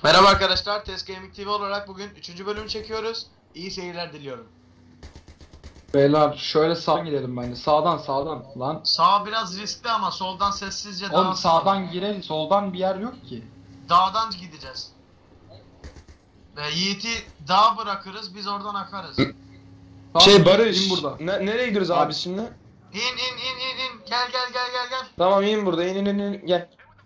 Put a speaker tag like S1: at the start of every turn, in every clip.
S1: Merhaba arkadaşlar, Test Gaming TV olarak bugün 3. bölümü çekiyoruz. İyi seyirler diliyorum.
S2: Beyler şöyle sağa gidelim bence. Sağdan lan.
S1: Sağ biraz riskli ama soldan sessizce
S2: Oğlum
S1: dağa
S2: sağdan girelim. Soldan bir yer yok ki.
S1: dağdan gideceğiz. Ve Yiğit'i dağa bırakırız, biz oradan akarız.
S2: Tamam,
S3: Barış,
S2: in burada.
S3: nereye gidiyoruz abi şimdi?
S1: İn. Gel.
S3: Tamam in burada, in gel.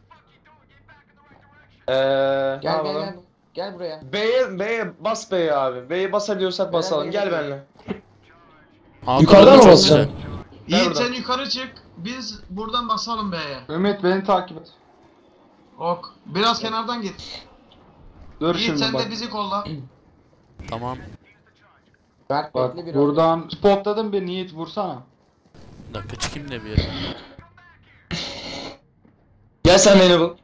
S4: Gel. Gel buraya.
S3: B'ye bas B'ye abi. B'ye basabiliyorsak basalım. Gel benimle.
S5: Yukarıdan mı basacağım?
S1: Yiğit
S3: buradan.
S1: sen yukarı çık, biz buradan basalım B'ye.
S2: Ümit beni takip et.
S1: Ok, biraz kenardan git.
S2: Dur
S1: Yiğit
S2: şimdi
S1: sen
S2: bak.
S1: de bizi kolla.
S5: Tamam.
S4: Berk
S2: Bak
S4: bekle bir
S2: buradan spotladım bir Yiğit vursana.
S5: Bir dakika çıkayım da bir yere.
S3: Gel sen beni bul.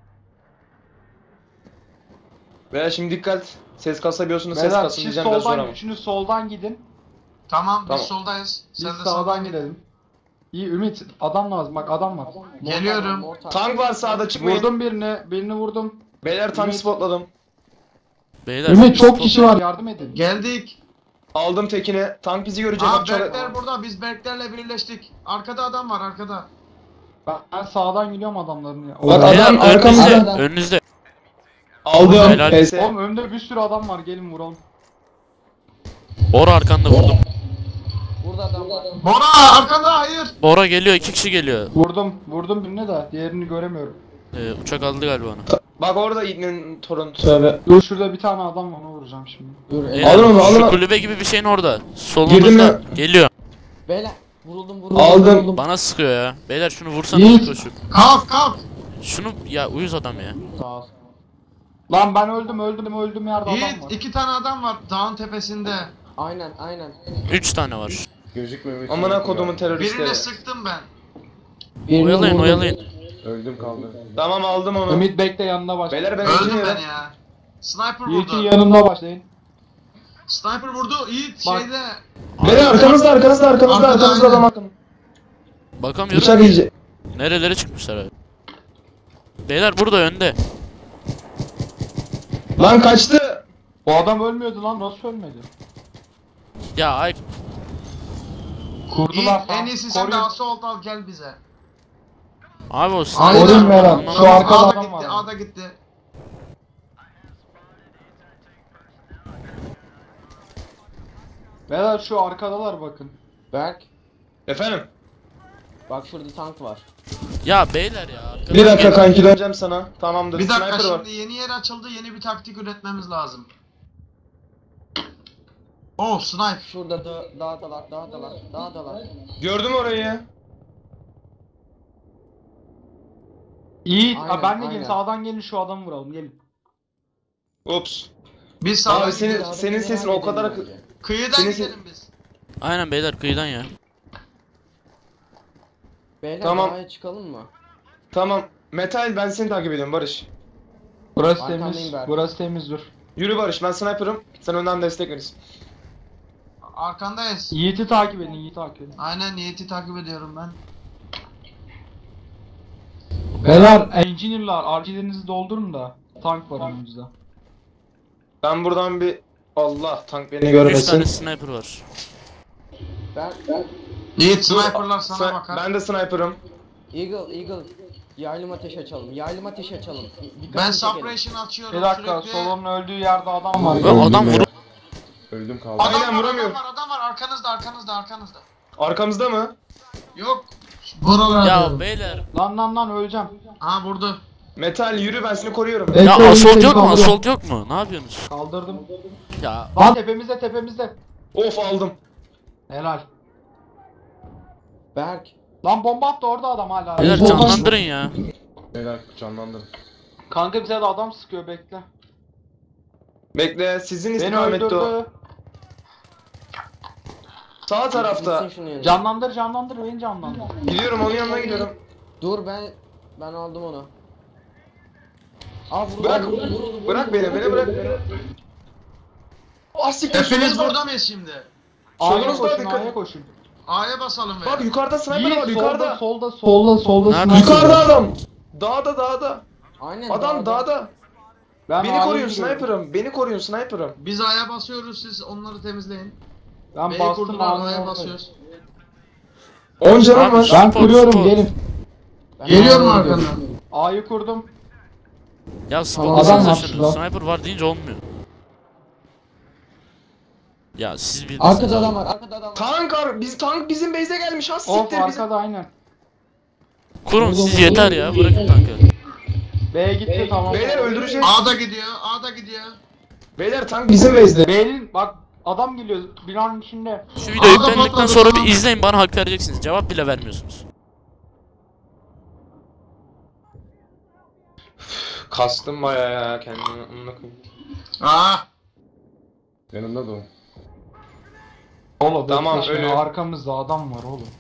S3: Veya şimdi dikkat. Ses kasabiliyorsunuz, ses
S2: Beyler
S3: kasın
S2: siz
S3: diyeceğim biraz sonra.
S2: soldan üçünüz soldan gidin.
S1: Tamam, biz
S3: Tamam.
S1: soldayız.
S2: Biz
S1: Sen de
S2: sağdan gidelim. İyi Ümit adam lazım bak adam var.
S1: Geliyorum.
S3: Tank var sağda, çıkmayın.
S2: Vurdum birini vurdum.
S3: Beyler tank
S2: Ümit.
S3: spotladım.
S5: Beyler.
S2: Ümit çok kişi var yardım edin.
S1: Geldik.
S3: Aldım tekini. Tank bizi görecek.
S1: Aa,
S3: bak şöyle-
S1: Berkler burada, biz Berklerle birleştik. Arkada adam var, arkada.
S2: Ben sağdan gidiyorum adamların ya.
S3: Bak
S5: Beyler
S3: adam arkamızda.
S5: önünüzde. Önünüzde.
S3: Aldım.
S5: Helal.
S3: PS.
S2: Oğlum önde bir sürü adam var gelin vuralım.
S5: Bora arkanda vurdum.
S4: Burada adam var.
S1: Bora arkada, hayır.
S5: Bora geliyor, 2 kişi geliyor.
S2: Vurdum birine de diğerini göremiyorum.
S5: Uçak aldı galiba onu.
S3: Bak orada İbni'nin torunu. Tövbe.
S2: Dur şurada bir tane adam var onu vuracağım şimdi.
S4: Dur.
S5: Beyler,
S3: Alın onu, alın
S5: şu
S3: onu.
S5: kulübe gibi bir şeyin orada.
S3: Girdim
S5: Solumuzda.
S3: ya.
S5: Geliyor.
S4: Beyler vuruldum.
S3: Aldım.
S5: Bana sıkıyor ya. Beyler şunu vursana
S2: Yiğit.
S5: koşup.
S1: Kalk.
S5: Şunu ya uyuz adam ya.
S4: Sağ ol.
S2: Lan ben öldüm yerde adam
S1: Yiğit,
S2: var.
S1: 2 tane adam var dağın tepesinde.
S4: Aynen.
S5: 3 tane var.
S3: Amına kodumun teröristleri.
S1: Birine sıktım ben.
S5: Oyalayın.
S6: Öldüm kaldı.
S3: Tamam aldım onu.
S2: Ümit bekle yanına baş.
S3: Beyler ben
S1: Öldüm
S3: engineer'ım.
S1: ben ya. Sniper
S2: Yiğit'in
S1: vurdu.
S2: yanında başlayın.
S1: Sniper vurdu. Yiğit
S2: Bak.
S1: şeyde.
S3: Beyler arkamızda
S1: Arkada,
S3: arkamızda adam
S1: aynen.
S3: akın.
S5: Bakamıyorum.
S3: Bıçak iyice.
S5: Nerelere çıkmışlar abi. Beyler burada önde.
S3: Lan kaçtı.
S2: Bu adam ölmüyordu lan nasıl ölmedi?
S5: Ya ay
S2: Kurdular
S1: Yiğit, en iyisi sen de assault al gel bize.
S5: abi o
S1: Aynen.
S5: sniper.
S2: Koruyun Meral,
S5: Anlamadım.
S2: şu arkada
S1: A'da
S2: adam
S1: gitti,
S2: var.
S1: A'da gitti.
S2: Beyler şu arkadalar bakın.
S4: Berk
S3: Efendim.
S4: bak şurada tank var.
S5: Ya beyler ya. arkadan
S3: Bir dakika
S5: gel-
S3: kanki döneceğim sana. Tamamdır.
S1: Bir dakika,
S3: Sniper var.
S1: şimdi yeni yer açıldı, yeni bir taktik üretmemiz lazım. Oh, sniper.
S4: Şurada dağdalar.
S3: Gördüm orayı.
S2: Yiğit
S4: Aynen,
S2: ben de gelin
S4: aynen.
S2: sağdan gelin şu adamı vuralım gelin.
S3: Ups.
S1: Biz sağdan
S3: Abi senin
S1: gidiyoruz.
S3: senin sesin o kadar
S1: Kıyıdan
S3: senin
S1: gidelim biz.
S5: Aynen beyler kıyıdan ya.
S4: Beyler
S3: Tamam.
S4: dağa çıkalım mı?
S3: Tamam. Metal ben seni takip ediyorum Barış.
S2: Burası
S4: Arkandayım
S2: temiz.
S4: ben.
S2: Burası temiz dur.
S3: Yürü Barış, ben sniper'ım. Sen önden destek verirsin.
S1: Arkandayız.
S2: Yiğit'i takip edin.
S1: Aynen, Yiğit'i takip ediyorum ben.
S2: Beyler engineer'lar RG'lerinizi doldurun da tank var önümüzde.
S3: Ben buradan bir Allah tank beni
S5: 3 tane
S3: görmesin.
S5: sniper var.
S4: Berk
S1: Yiğit,
S3: Dur,
S1: sniperlar sana bakar.
S3: Ben de sniper'ım.
S4: Eagle yaylım ateş açalım. Dikkatini
S1: Ben
S4: çekelim.
S1: suppression açıyorum
S2: Bir dakika
S1: sürekli.
S2: Solon'un öldüğü yerde adam var.
S5: Ve adam vur.
S6: Öldüm kaldı.
S1: Adam
S3: Aynen,
S1: var,
S3: vuramıyorum.
S1: adam var, arkanızda.
S3: Arkamızda mı?
S1: Yok. Buralarda.
S5: Ya beyler.
S2: Lan öleceğim.
S1: Ha, vurdu.
S3: Metal yürü, ben seni koruyorum.
S5: Ya assault yok mu? Assault yok mu? Ne yapıyorsunuz?
S2: Kaldırdım.
S5: Ya
S2: Lan tepemizde.
S3: Of aldım.
S2: Helal.
S4: Berk
S2: Lan bomba attı orada adam hala.
S5: beyler
S2: Bomba-
S5: canlandırın ya.
S6: Beyler canlandım.
S2: Kanka bize de adam sıkıyor bekle.
S3: Bekle, sizin
S2: Beni
S3: istikamette o.
S2: öldürdü.
S3: Sağ tarafta.
S4: gitsin şunun yanına.
S2: Canlandır beni canlandır.
S3: Gidiyorum, onun yanına gidiyorum.
S4: Dur ben aldım onu. Aa vurdu.
S3: Bırak,
S4: vurdu.
S3: bırak beni bırak beni. Ah siktir,
S1: Hepiniz
S3: solunuzda.
S1: burada mıyız şimdi?
S2: A'ya
S3: Solunuzda
S2: koşun
S3: dikkat.
S2: A'ya koşun.
S1: A'ya basalım be.
S3: Bak yukarıda sniper var,
S2: Yiğit
S3: yukarıda.
S2: solda
S5: Nerede?
S2: sniper
S3: Yukarıda
S2: var.
S3: adam. Dağda.
S4: Aynen
S3: Adam dağda.
S2: Ben
S3: Beni
S2: A'ya
S3: koruyun
S2: giriyorum.
S3: sniper'ım. Beni koruyun sniper'ım.
S1: Biz A'ya basıyoruz, siz onları temizleyin.
S2: Ben
S1: B'yi
S2: bastım
S1: kurdular, A'ya
S2: A'ya
S1: basıyoruz.
S3: 10 canım
S5: Abi,
S3: var.
S2: Ben
S5: Spot,
S2: kuruyorum
S5: spot.
S2: gelin.
S4: Ben
S1: Geliyorum
S4: A'ya
S1: arkandan.
S4: gidiyorum.
S2: A'yı kurdum.
S5: Ya
S2: Adam
S5: spotlasanıza
S2: var
S5: şunu.
S2: şurada.
S5: Sniper var deyince olmuyor. Ya siz bilirsiniz
S4: Arkada
S5: abi.
S4: adam var, arkada adam var.
S3: Tank bizim base'e gelmiş. Ha
S2: Of
S3: siktir bizim.
S2: arkada aynen.
S5: Kurun siz yeter ya. Bırakın tankı.
S2: B gitti tamam.
S3: Beyler öldüreceğiz.
S1: A'da gidiyor, A'da gidiyor.
S3: Beyler tank bizim base'de.
S2: B'nin bak adam geliyor binanın içinde.
S5: Şu videoyu
S1: Adam
S5: yüklendikten
S1: patladı,
S5: sonra
S1: tamam.
S5: bir izleyin, bana hak vereceksiniz. Cevap bile vermiyorsunuz.
S3: Kastım baya ya kendimi amına koyayım.
S1: Aa,
S6: Yanımda da o.
S2: Oğlum
S3: Tamam,
S2: bekle şimdi,
S3: ölü.
S2: arkamızda adam var oğlum.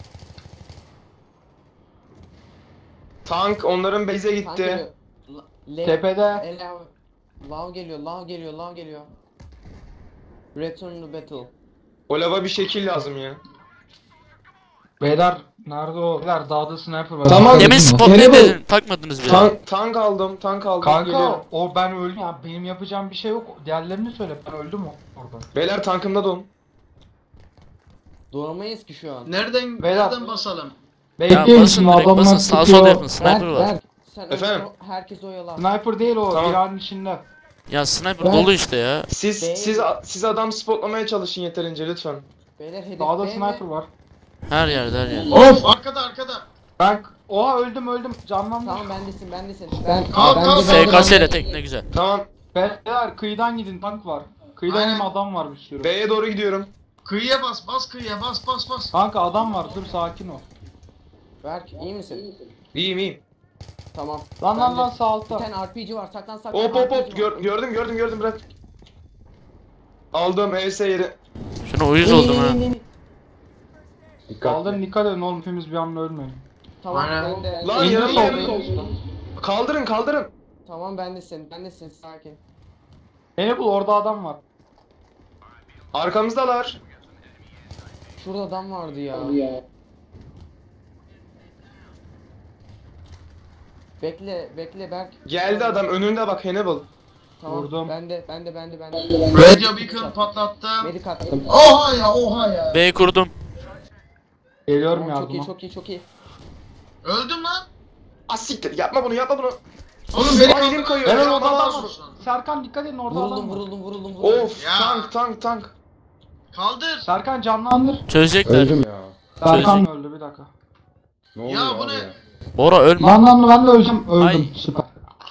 S3: Tank onların base'e
S4: Tank
S3: gitti.
S4: geliyor.
S2: Tepede.
S4: Lav geliyor, lav geliyor, lav geliyor. Return to battle.
S3: O lava bir şekil lazım ya.
S2: Beyler nerede o? Beyler dağda sniper var.
S3: Tamam.
S5: Demin spot ne
S3: Nereye
S5: dedin? Takmadınız bile.
S3: Tank aldım. Geliyorum.
S2: Kanka o ben öldüm ya, benim yapacağım bir şey yok. Diğerlerini söyle, ben öldüm orada.
S3: Beyler tankımda don.
S4: Duramayız ki şu an.
S2: Beyler.
S1: nereden basalım?
S5: Ya
S2: Bekleyin
S5: basın
S2: şimdi
S5: direkt
S2: adamlar
S5: basın. Sağa
S2: tutuyor.
S5: sola yapın. Sniper var.
S4: Berk, sen
S3: Efendim?
S4: herkes oyala.
S2: Sniper değil o,
S3: Tamam.
S2: binanın içinde.
S5: Ya sniper
S4: Ben-
S5: dolu işte ya.
S3: Siz adam spotlamaya çalışın yeterince lütfen.
S4: Beyler hedef
S2: Dağda
S4: B mi?
S2: sniper var.
S5: Her yerde her yerde.
S1: Of, arkada.
S2: Ben oha öldüm canlandım.
S4: Tamam bendesin.
S1: Kal, kal.
S5: SKS ile tek ne güzel.
S3: Tamam.
S2: Beyler kıyıdan gidin, tank var. Kıyıdan
S1: Aynen.
S2: hem adam var bir sürü.
S3: B'ye doğru gidiyorum.
S1: Kıyıya bas kıyıya, bas.
S2: Kanka adam var, dur sakin ol.
S4: Berk iyi misin?
S3: İyiyim.
S4: Tamam.
S2: Lan sağ
S4: Bir
S2: altta.
S4: tane RPG var. Saklan.
S3: Hop
S4: RPG var.
S3: gördüm bırak. Aldım ES yeri.
S5: Şuna uyuz oldum ha.
S6: Dikkat.
S2: Kaldırın, dikkat edin oğlum, hepimiz bir anda ölmeyin.
S4: Tamam
S1: Aynen.
S4: ben de.
S3: Lan
S2: İndir
S3: yarım
S2: solda,
S3: yarım.
S2: indir.
S3: Kaldırın.
S4: Tamam bendesin sakin.
S2: Beni bul, orada adam var.
S3: Arkamızdalar.
S4: Şurada adam vardı ya. Bekle Berk.
S3: Geldi adam önünde bak Hannibal.
S4: Tamam.
S2: Vurdum.
S4: Bende.
S1: Radio Beacon patlattım.
S4: Medik attım.
S1: Oha ya.
S5: B kurdum.
S2: Geliyorum
S4: Tamam, çok
S2: yardıma.
S4: iyi.
S1: Öldüm lan.
S3: Asiktir yapma bunu.
S1: Oğlum beni
S3: Ay, elim kayıyor.
S2: Beyler
S3: Ya,
S2: orada adam var.
S1: olsun.
S2: Serkan dikkat edin, orada adam var.
S4: Vuruldum.
S3: Of
S1: Ya.
S3: tank.
S1: Kaldır.
S2: Serkan canlandır.
S5: Çözecekler.
S6: Öldüm ya.
S2: Serkan öldü, bir dakika.
S6: Ne oluyor
S1: bu
S6: abi
S1: ne?
S6: ya?
S5: Bora ölme.
S2: Lan ben de öldüm.
S5: Ay.
S2: Süper.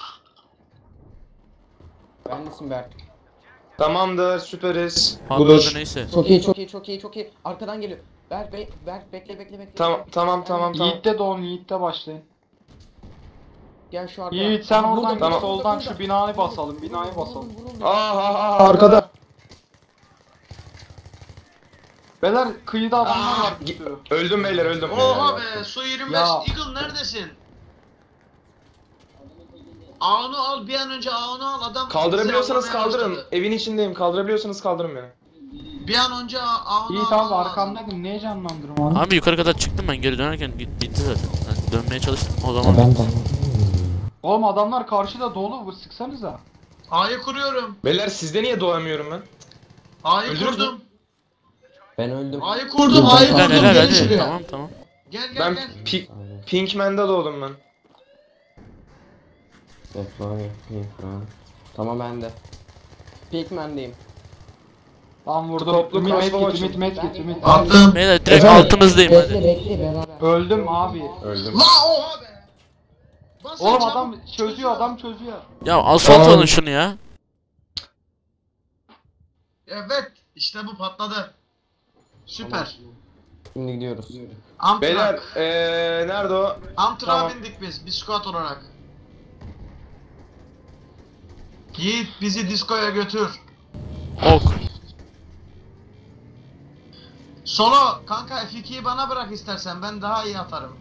S4: Bendesin Berk.
S3: Tamamdır süperiz.
S5: Patladı
S3: Budur.
S5: neyse.
S4: Çok iyi. Arkadan geliyor. Berk bekle.
S3: Tamam.
S2: Yiğit'te doğun, Yiğit'te başlayın.
S4: Gel şu arkaya.
S2: Yiğit sen oradan git,
S3: Tamam.
S2: soldan şu binayı basalım,
S4: Vuruldum.
S3: Arkada.
S2: Beyler kıyıda adamlar var bir sürü.
S3: Öldüm beyler öldüm.
S1: Oha be, su 25.
S2: Ya.
S1: Eagle neredesin? Ağını al, bir an önce ağını al, adam
S3: Kaldırabiliyorsanız
S1: bizi avlamaya
S3: kaldırın.
S1: başladı.
S3: Evin içindeyim. Kaldırabiliyorsanız kaldırın beni.
S1: Bir an önce ağını
S2: Yiğit
S1: al.
S2: abi arkamdaydım, niye canlandırım onu?
S5: Abi yukarı kadar çıktım ben, geri dönerken bitti zaten. Yani dönmeye çalıştım o zaman.
S2: Oğlum adamlar karşıda dolu, bu sıksanıza.
S1: A'yı kuruyorum.
S3: Beyler sizde niye doğamıyorum ben?
S1: A'yı
S3: Öldünüz
S1: kurdum.
S4: Ben öldüm.
S1: A'yı kurdum. A'yı
S5: Helal
S1: kurdum.
S5: helal
S1: Gel
S5: hadi.
S1: şuraya.
S5: Tamam.
S1: Gel
S3: Ben
S1: gel.
S3: Pinkman'da doğdum ben.
S4: Tamam bende. Pigman'deyim.
S2: Lan vurdum.
S3: Toplu
S2: Ümit
S3: crossbow
S2: medkit,
S3: açın.
S2: Ümit.
S1: Attım.
S5: Beyler direkt
S3: Efendim?
S5: altınızdayım hadi.
S4: Bekle beraber.
S2: Öldüm abi.
S6: Öldüm.
S1: La oha be. Basın
S2: Oğlum
S1: çabuk.
S2: adam çözüyor.
S5: Ya asfalt alın şunu ya.
S1: Evet. İşte bu patladı. Süper.
S4: Şimdi gidiyoruz.
S3: Beyler
S1: Amtrak.
S3: nerede o?
S1: Amtrak'a
S3: Tamam.
S1: bindik biz. Bir squad olarak. Yiğit bizi diskoya götür.
S5: Ok.
S1: Solo kanka F2'yi bana bırak istersen, ben daha iyi atarım.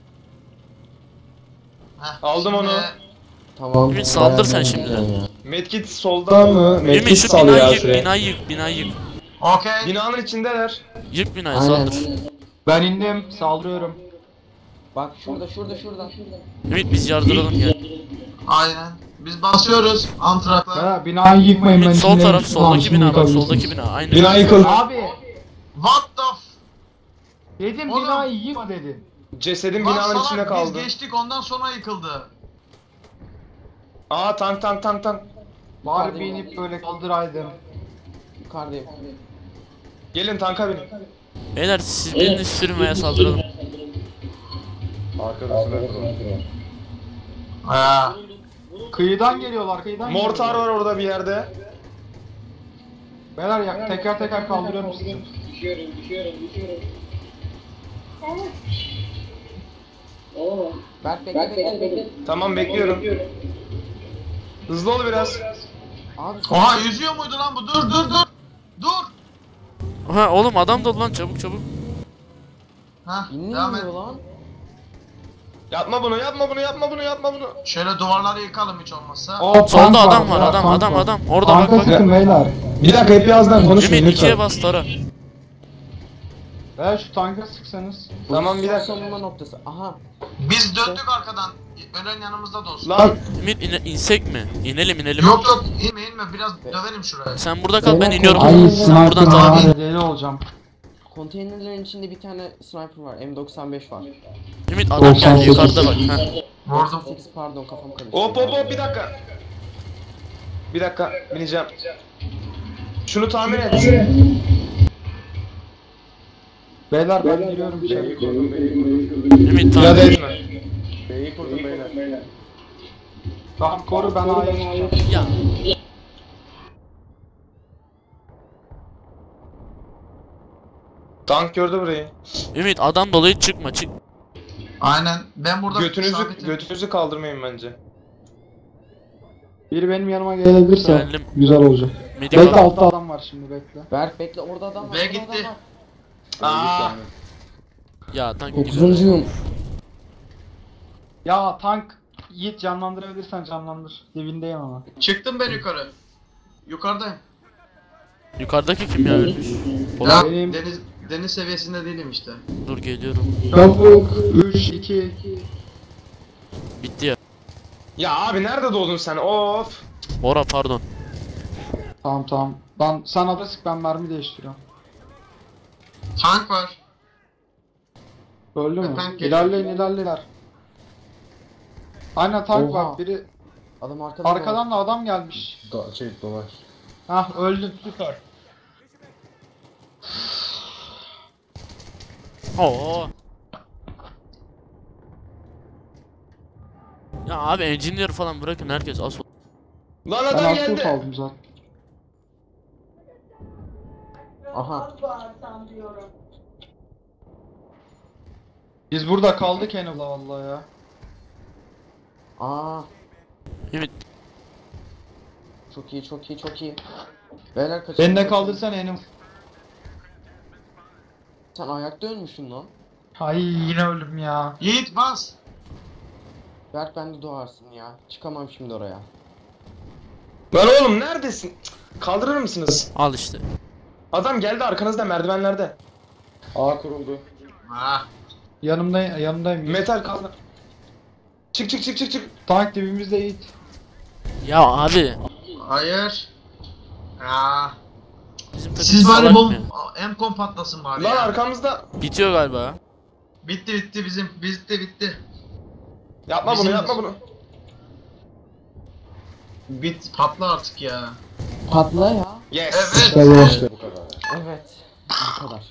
S1: Heh,
S3: Aldım onu.
S4: Tamam.
S5: Ümit saldır sen şimdiden.
S3: Medkit solda mı?
S5: Ümit şu binayı yık, binayı yık.
S1: Okey.
S3: Binanın içindeler.
S5: Yık binayı
S4: Aynen.
S5: saldır.
S2: Ben indim, saldırıyorum.
S4: Bak şurada.
S5: Ümit biz yardıralım gel.
S1: Aynen. Biz basıyoruz antrakla.
S2: Ya binayı yıkmayın ben
S5: Ümit sol
S2: içinde
S5: taraf
S2: hiç
S5: soldaki
S2: kullanmışım,
S5: bina bak
S2: yıkabilirsiniz.
S5: soldaki bina aynı.
S3: Bina yıkıldı.
S2: Abi
S1: What the
S2: dedim
S1: Oğlum.
S2: binayı yıkma dedim.
S3: Cesedin
S1: Lan
S3: binanın
S1: salak,
S3: içinde kaldı.
S1: Biz geçtik ondan sonra yıkıldı.
S3: Aa tank.
S2: Bari
S4: Hadi.
S2: binip böyle kaldıraydım.
S4: Yukarıdayım.
S3: Gelin tanka binin.
S5: Beyler siz birini sürün veya saldıralım.
S6: Arkadasına kurun.
S1: Ha.
S2: Kıyıdan geliyorlar kıyıdan
S3: Mortar
S2: geliyorlar.
S3: var orada bir yerde.
S2: Beyler ya teker teker kaldırıyorum sizi.
S4: Berk bekle.
S3: Tamam bekliyorum. Hızlı ol biraz.
S4: Abi
S1: Oha yüzüyor muydu lan bu? Dur. Dur.
S5: Ha oğlum adam dolu lan çabuk.
S1: Ha, devam et.
S4: inmiyor lan.
S3: Yapma bunu.
S1: Şöyle duvarları yıkalım hiç olmazsa.
S2: O, tank
S5: Solda adam var
S2: ya,
S5: adam.
S2: tank var.
S5: Orada bak
S2: Tanka
S5: bak.
S2: sıkın beyler.
S3: Bir dakika hep birazdan konuşmayın
S5: Ümit ikiye
S3: lütfen.
S5: bas tara.
S2: Beyler şu tanka sıksanız.
S3: Tamam bir
S4: Son
S3: dakika.
S4: savunma noktası. Aha.
S1: Biz döndük arkadan. Ölen yanımızda da olsun.
S3: Lan
S5: Ümit insek mi? İnelim.
S1: Yok inme biraz dövelim şuraya.
S5: Sen burada kal ben iniyorum.
S2: Ay
S5: Sen buradan
S2: sniper
S5: devam et.
S2: var deli olacağım.
S4: Konteynerlerin içinde bir tane sniper var. M95 var.
S5: Ümit adam geldi
S2: 98.
S5: yukarıda bak. Ha.
S1: Vurdum.
S4: 98 pardon kafam karıştı.
S3: hop bir dakika. Bir dakika bineceğim. Şunu tamir et.
S2: Beyler ben giriyorum içeri.
S6: B'yi kurdum, B'yi kurdum.
S5: Ümit
S3: Müsaade
S5: tamam.
S3: etme.
S6: B'yi kurdum beyler.
S2: Tamam koru ben A'ya çıkacağım.
S5: Ya.
S3: Tank gördü burayı.
S5: Ümit adam dolayı çıkma çık.
S1: Aynen. Ben burada sabitim.
S3: Götünüzü kaldırmayın bence.
S2: Biri benim yanıma gelebilirse
S5: Geldim.
S2: güzel olacak.
S5: Medik
S2: Bekle
S5: al.
S2: altta adam var şimdi bekle.
S4: Berk bekle orada adam var.
S1: Ve
S4: orada
S1: gitti.
S4: adam var.
S3: Aa.
S5: Ya tank gidiyor.
S4: 9'uncuyum.
S2: Ya tank Yiğit canlandırabilirsen canlandır. Dibindeyim ama.
S1: Çıktım ben yukarı. Yukarıdayım.
S5: Yukarıdaki kim ya ölmüş?
S1: Ya,
S5: Polat
S2: Benim-
S1: deniz seviyesinde değilim işte.
S5: dur geliyorum.
S2: Çabuk 3 2
S5: Bitti ya.
S3: Ya abi nerede doğdun sen? Of.
S5: Bora pardon.
S2: Tamam. Sen ada sık ben mermi değiştiriyorum.
S1: Tank var.
S2: Öldü mü?
S1: Tank geliyor.
S2: İlerleyin. Aynen tank
S4: Oha.
S2: var. Biri
S4: Adam arkadan.
S2: arkadan da adam gelmiş.
S6: Dolaş.
S2: Hah öldü süper.
S5: Oo. Ya abi engineer falan bırakın herkes asıl.
S3: Lan
S2: Ben
S3: adam
S2: asıl
S3: geldi.
S2: kaldım zaten.
S4: Aha.
S2: Biz burada kaldık Hannibal vallahi ya.
S4: Aa.
S5: Ümit
S4: Çok iyi. Beyler kaçın.
S2: Beni de kaldırsan Hannibal.
S4: Sen ayakta ölmüşsün lan.
S2: Ay yine öldüm ya.
S1: Yiğit bas.
S4: Berk ben de doğarsın ya. Çıkamam şimdi oraya.
S3: Lan oğlum neredesin? Cık, kaldırır mısınız?
S5: al işte.
S3: Adam geldi arkanızda merdivenlerde.
S6: A kuruldu.
S1: Ha.
S2: Yanımdayım.
S3: Metal kaldı. Çık.
S2: Tank dibimizde Yiğit.
S5: Ya abi
S1: Hayır. Ya.
S5: bizim takım
S1: Siz bari
S5: salak
S1: bol
S5: mı?
S1: M-kom patlasın bari
S3: Lan
S1: ya.
S3: arkamızda.
S5: Bitiyor galiba.
S1: Bitti bizim. Bitti.
S3: Yapma
S1: Bizim-
S3: bunu.
S1: Patla artık ya.
S4: Patla ya.
S3: Yes.
S1: Evet.
S2: Evet.
S6: İşte bu kadar.
S4: Evet. Bu kadar.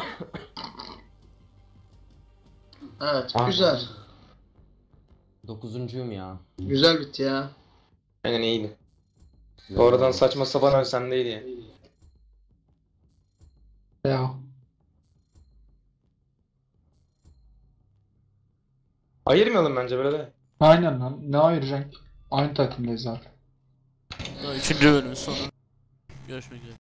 S1: Evet güzel.
S4: 9'uncuyum ya.
S1: Güzel bitti ya.
S3: Aynen iyiydi. Oradan saçma sapan ölsem de iyiydi.
S2: Ya.
S3: Ayırmayalım bence böyle de.
S2: Aynen lan. Ne ayıracaksın? Aynı takımdayız zaten.
S5: Üçüncü bölümün sonu. Görüşmek üzere.